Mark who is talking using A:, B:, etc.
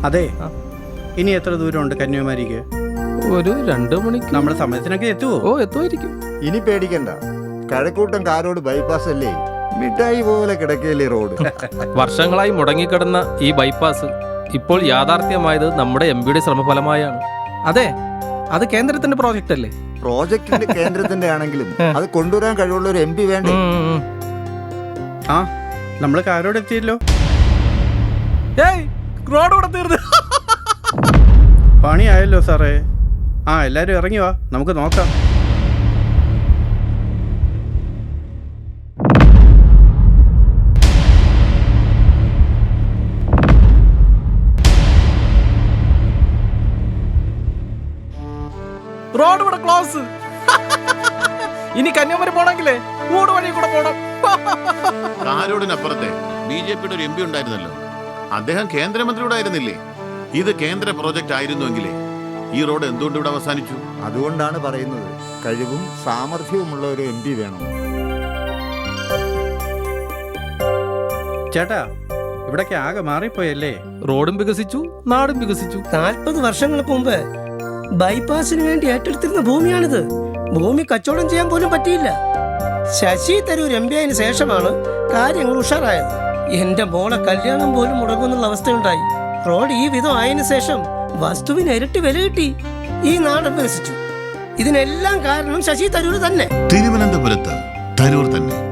A: അതെ, ഇനി എത്ര ദൂരമുണ്ട് കന്യാകുമാരിക്ക്?
B: ഒരു 2 മണിക്ക്.
A: നമ്മുടെ സമയത്തിനൊക്കെ എത്തുവോ?
B: ഓ, എത്തുമായിരിക്കും.
C: ഇനി പേടിക്കണ്ട, കഴക്കൂട്ടം കാരോട് ബൈപ്പാസ് അല്ലേ, മിഠായി പോലെ കിടക്കയില്ലേ റോഡ്.
B: വർഷങ്ങളായി മുടങ്ങിക്കിടന്ന ഈ ബൈപ്പാസ് ഇപ്പോൾ യാഥാർത്ഥ്യമായത് നമ്മുടെ എംപിയുടെ ശ്രമഫലമായാണ്. അതെ, അത് കേന്ദ്രത്തിന്റെ പ്രോജക്റ്റ് അല്ലേ?
C: പ്രോജക്റ്റിന്റെ കേന്ദ്രത്തിന്റെ ആണെങ്കിലും അത് കൊണ്ടുവരാൻ കഴിവുള്ള ഒരു MP വേണ്ടേ?
A: ആ, നമ്മൾ കാരോട് എത്തിയല്ലോ.
B: റോഡ് കൂടെ തീർന്നു.
A: പണിയായല്ലോ സാറേ. ആ, എല്ലാരും ഇറങ്ങി വാ, നമുക്ക് നോക്കാം.
B: റോഡ് ഇവിടെ ക്ലോസ്. ഇനി കന്യാകുമാരി പോണെങ്കിലേ ഊട് വഴി കൂടെ പോണം.
D: കാരോടിനപ്പുറത്തെ BJPയുടെ ഒരു MP ഉണ്ടായിരുന്നല്ലോ, അദ്ദേഹം കേന്ദ്രമന്ത്രിയുടെ ആയിരുന്നില്ലേ? ഇത് കേന്ദ്ര പ്രോജക്റ്റ് ആയിരുന്നുവെങ്കിലേ ഈ റോഡ് എന്തുകൊണ്ട് ഇവിടെ അവസാനിച്ചു?
C: അതുകൊണ്ടാണ് പറയുന്നത്, കഴിവും സാമർഥ്യവുമുള്ള ഒരു MP വേണം.
A: ചേട്ടാ, ഇവിടൊക്കെ ആകെ മാറിപ്പോയല്ലേ?
B: റോഡും വികസിച്ചു, നാടും വികസിച്ചു.
E: 40 വർഷങ്ങൾക്ക് മുമ്പ് ബൈപ്പാസിന് വേണ്ടി ഏറ്റെടുത്തിരുന്ന ഭൂമിയാണിത്. ഭൂമി കച്ചവടം ചെയ്യാൻ പോലും പറ്റിയില്ല. ശശി തരൂർ MP ആയതിനു ശേഷമാണ് കാര്യങ്ങൾ ഉഷാറായത്. എന്റെ മോളെ കല്യാണം പോലും മുടങ്ങുന്നുള്ള അവസ്ഥയുണ്ടായി. റോഡ് ഈ വിധം ആയതിനു ശേഷം വസ്തുവിന് ഇരട്ടി വില കിട്ടി. ഈ നാട് വികസിച്ചു. ഇതിനെല്ലാം കാരണം ശശി തരൂർ തന്നെ.
D: തിരുവനന്തപുരത്ത് തരൂർ തന്നെ.